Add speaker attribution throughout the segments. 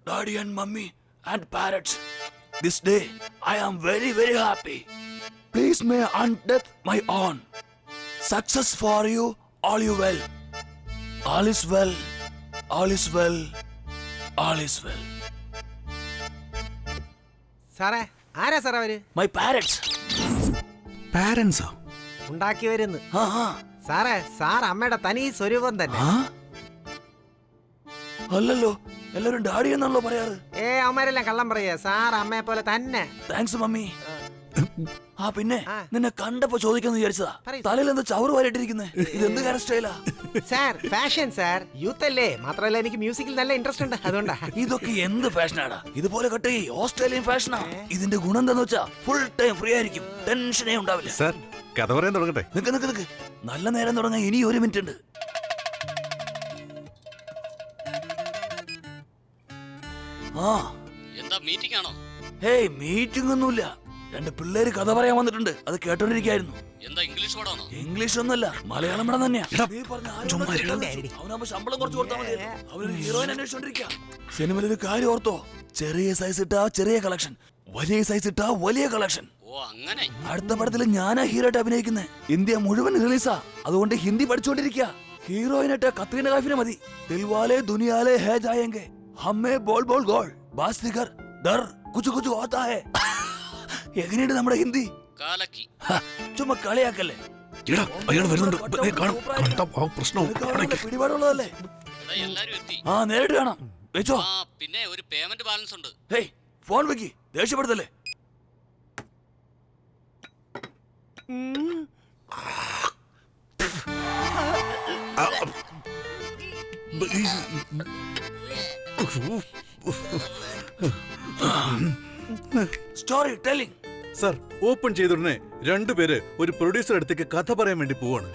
Speaker 1: Daddy and Mummy and parents. This day, I am very, very happy. Please may undeath my own. Success for you, all you well. All is well, all is well, all is well.
Speaker 2: സാറേ ആരാ സാറേ അവര്?
Speaker 1: My parents.
Speaker 3: Parents?
Speaker 2: ഉണ്ടാക്കി വരുന്നു.
Speaker 1: Huh?
Speaker 2: സാറേ sir അമ്മയുടെ തനി സ്വരൂപം തന്നെ.
Speaker 1: അല്ലല്ലോ, എല്ലാരും ഡാഡി എന്നാണല്ലോ പറയാറ്.
Speaker 2: അവന്മാരെല്ലാം കള്ളം പറയാ. സാർ അമ്മയെ പോലെ തന്നെ.
Speaker 1: Thanks mummy. പിന്നെ നിന്നെ കണ്ടപ്പോ ചോദിക്കാന്ന് വിചാരിച്ചതാ. തലയിൽ എന്താ ചവറ് വാരിട്ടിരിക്കുന്നേ? ഇതെന്ത് കാര്യം സ്റ്റൈലാ?
Speaker 2: സാർ ഫാഷൻ സാർ, യൂത്ത് അല്ലേ, മാത്രമല്ല എനിക്ക് മ്യൂസിക്കിൽ നല്ല ഇൻട്രസ്റ്റ് ഉണ്ട്, അതുകൊണ്ടാ.
Speaker 1: ഇതൊക്കെ എന്ത് ഫാഷനാടാ? ഇതുപോലെ കട്ട് ഓസ്ട്രേലിയൻ ഫാഷനാ. ഇതിന്റെ ഗുണം എന്താന്ന് വെച്ചാ ഫുൾ ടൈം ഫ്രീ ആയിരിക്കും, ടെൻഷനേ ഉണ്ടാവില്ല.
Speaker 3: സാർ കഥ പറയാൻ തുടങ്ങട്ടെ?
Speaker 1: നിക്ക് നല്ല നേരം തുടങ്ങാൻ ഇനി 1 മിനിറ്റ് ഉണ്ട്.
Speaker 4: എന്താ മീറ്റിംഗ് ആണോ?
Speaker 1: ഹേയ് മീറ്റിംഗ് ഒന്നുമില്ല. 2 പിള്ളേര് കഥ പറയാൻ വന്നിട്ടുണ്ട്, അത് കേട്ടോണ്ടിരിക്കായിരുന്നു.
Speaker 4: എന്താ ഇംഗ്ലീഷ് പടാണോ?
Speaker 1: ഇംഗ്ലീഷ് ഒന്നല്ല, മലയാളം പടം തന്നെയാ. അവനാകുമ്പോ ശമ്പളം കുറച്ച് കൊടുത്താൽ മതി. അവനൊരു ഹീറോയിൻ അന്വേഷിച്ചോണ്ടിരിക്കുക. സിനിമയിൽ ഒരു കാര്യം ഓർത്തോ, ചെറിയ സൈസ് ഇട്ടാ ചെറിയ കളക്ഷൻ, വലിയ സൈസ് ഇട്ടാ വലിയ കളക്ഷൻ.
Speaker 4: ഓ അങ്ങനെ.
Speaker 1: അടുത്ത പടത്തിൽ ഞാനാ ഹീറോയിട്ട് അഭിനയിക്കുന്നത്. ഇന്ത്യ മുഴുവൻ റിലീസാ, അതുകൊണ്ട് ഹിന്ദി പഠിച്ചോണ്ടിരിക്കുക. ഹീറോയിനായിട്ട് കത്രീന കൈഫിനെ മതി. ദിൽവാലെ ദുനിയാലെ ഹേ ജായേംഗെ, ഹമ്മേ ബോൾ ബോൾ ഗോൾ, ബാസ് ദിഗർ ദർ കുച്ചു കുച്ചു ഹോത്താ ഹേ. എങ്ങനെയുണ്ട് നമ്മുടെ ഹിന്ദി?
Speaker 4: കാലക്കി.
Speaker 1: ചുമ്മാ കളിയാക്കല്ലേ. പിടിപാടുള്ളതല്ലേ?
Speaker 4: എല്ലാരും എത്തി.
Speaker 1: നേരിട്ട് കാണാം. വെച്ചോ.
Speaker 4: പിന്നെ ഒരു പേയ്മെന്റ് ബാലൻസ് ഉണ്ട്.
Speaker 1: ഹേയ് ഫോൺ വെക്കി, ദേഷ്യപ്പെടുത്തല്ലേ. Story telling.
Speaker 3: സാർ ഓപ്പൺ ചെയ്തുടനെ 2 പേര് ഒരു പ്രൊഡ്യൂസർ അടുത്തേക്ക് കഥ പറയാൻ വേണ്ടി പോവാണ്.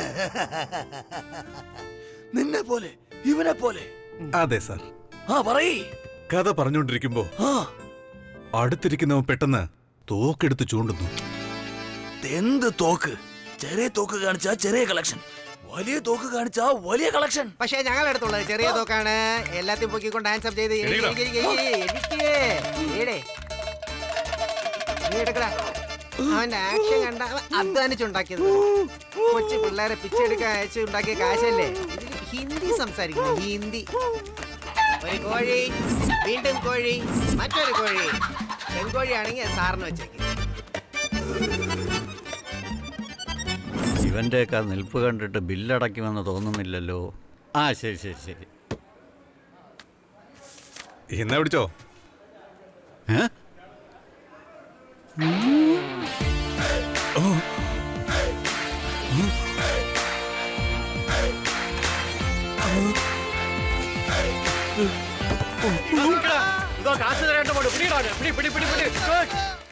Speaker 1: നിന്നെ പോലെ ഇവനെ പോലെ.
Speaker 3: അതെ സാർ.
Speaker 1: പറയ്.
Speaker 3: കഥ പറഞ്ഞുകൊണ്ടിരിക്കുമ്പോ അടുത്തിരിക്കുന്നവൻ പെട്ടെന്ന് തോക്കെടുത്ത് ചൂണ്ടുന്നു.
Speaker 1: എന്ത് തോക്ക്? ചെറിയ തോക്ക് കാണിച്ചാ ചെറിയ കളക്ഷൻ, വലിയ തോക്ക് കാണിച്ചാ വലിയ കളക്ഷൻ.
Speaker 2: പക്ഷേ ഞങ്ങൾ അടുത്തുള്ളത് ചെറിയ തോക്കാണ്. എല്ലാத்தைയും പൊക്കിക്കൊണ്ട് ആൻസർ ചെയ്ത് അവന്റെ ആക്ഷൻ കണ്ട അധ്വാനിച്ചുണ്ടാക്കിയത്. കൊച്ചു പിള്ളേരെ പിച്ചെടുക്കാൻ അയച്ച് ഉണ്ടാക്കിയ കാശല്ലേ. ഇതിൽ ഹിന്ദി സംസാരിക്കുന്നു, ഹിന്ദി. ഒരു കോഴി, വീണ്ടും കോഴി, മറ്റൊരു കോഴി. പെൺകോഴിയാണെങ്കിൽ സാറിന് വെച്ചേക്കും.
Speaker 5: ഇവന്റെയൊക്കെ നിൽപ്പ് കണ്ടിട്ട് ബില്ലടയ്ക്കുമെന്ന് തോന്നുന്നില്ലല്ലോ. ശരി ശരി ശരി.
Speaker 3: എന്നാ പിടിച്ചോ.
Speaker 2: കാശ് തരേണ്ട